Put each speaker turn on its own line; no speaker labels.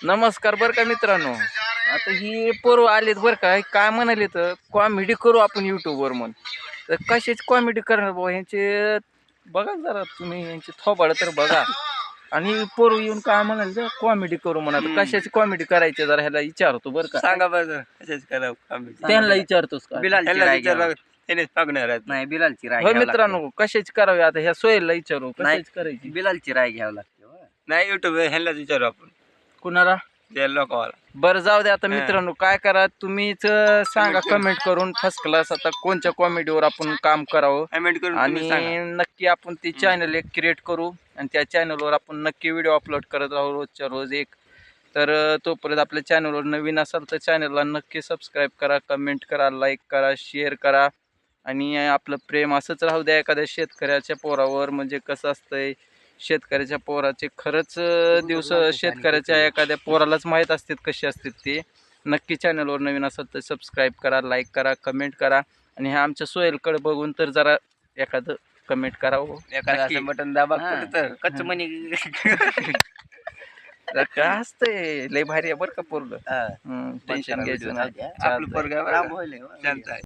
नमस्कार बरं का मित्रांनो. आता ही पोरं आलेत बरं का. काय म्हणाले तर कॉमेडी करू आपण युट्यूबवर म्हणून. तर कशाची कॉमेडी करणार बाबा ह्यांचे बघा जरा तुम्ही यांची थोबाड तर बघा. आणि पोरं येऊन काय म्हणाले तर कॉमेडी करू म्हणा. तर कशाची कॉमेडी करायची जरा ह्याला विचारतो बरं का.
सांगा बरं कशाच करा
त्यांना विचारतोस का?
बिलालची राय घ्यावं.
त्यानेच मागणार आहेत.
नाही बिलालची राय
हो
घ्यावं लागते.
मित्रांनो कशाची करावी आता ह्या सोयीला विचारू कशाची करायची
बिलालची राय घ्यावं लागते हो.
नाही युट्यूब ह्यालाच विचारू आपण
कुणाला.
त्या लोकांना.
बरं जाऊ दे आता मित्रांनो काय करा तुम्हीच सांगा कमेंट करून फर्स्ट क्लास आता कोणत्या कॉमेडीवर आपण काम करावं
कमेंट करून तुम्ही सांगा.
आणि नक्की आपण ती चॅनल एक क्रिएट करू आणि त्या चॅनलवर आपण नक्की व्हिडिओ अपलोड करत राहू रोजच्या रोज एक. तर तोपर्यंत आपल्या चॅनलवर नवीन असाल तर चॅनलला नक्की सबस्क्राईब करा, कमेंट करा, लाईक करा, शेअर करा आणि आपलं प्रेम असंच राहू द्या एखाद्या शेतकऱ्याच्या पोरावर. म्हणजे कसं असतंय शेतकऱ्याच्या पोराचे खरंच दिवस शेतकऱ्याच्या एखाद्या पोरालाच माहीत असतात कसे असतात ते. नक्की चॅनलवर नवीन असेल तर सबस्क्राईब करा, लाईक करा, कमेंट करा आणि ह्या आमच्या सोहेलकडे बघून तर जरा एखादं कमेंट करा हो.
एखादं असं बटन दाबा
हा.
तर
कच्च मनी
काय असतंय लय भारी आहे बरं का पोरलं.
हा.
टेन्शन घ्यायचं नाही.
आपलं पोरगा
राम होईल हो.
शांत आहे.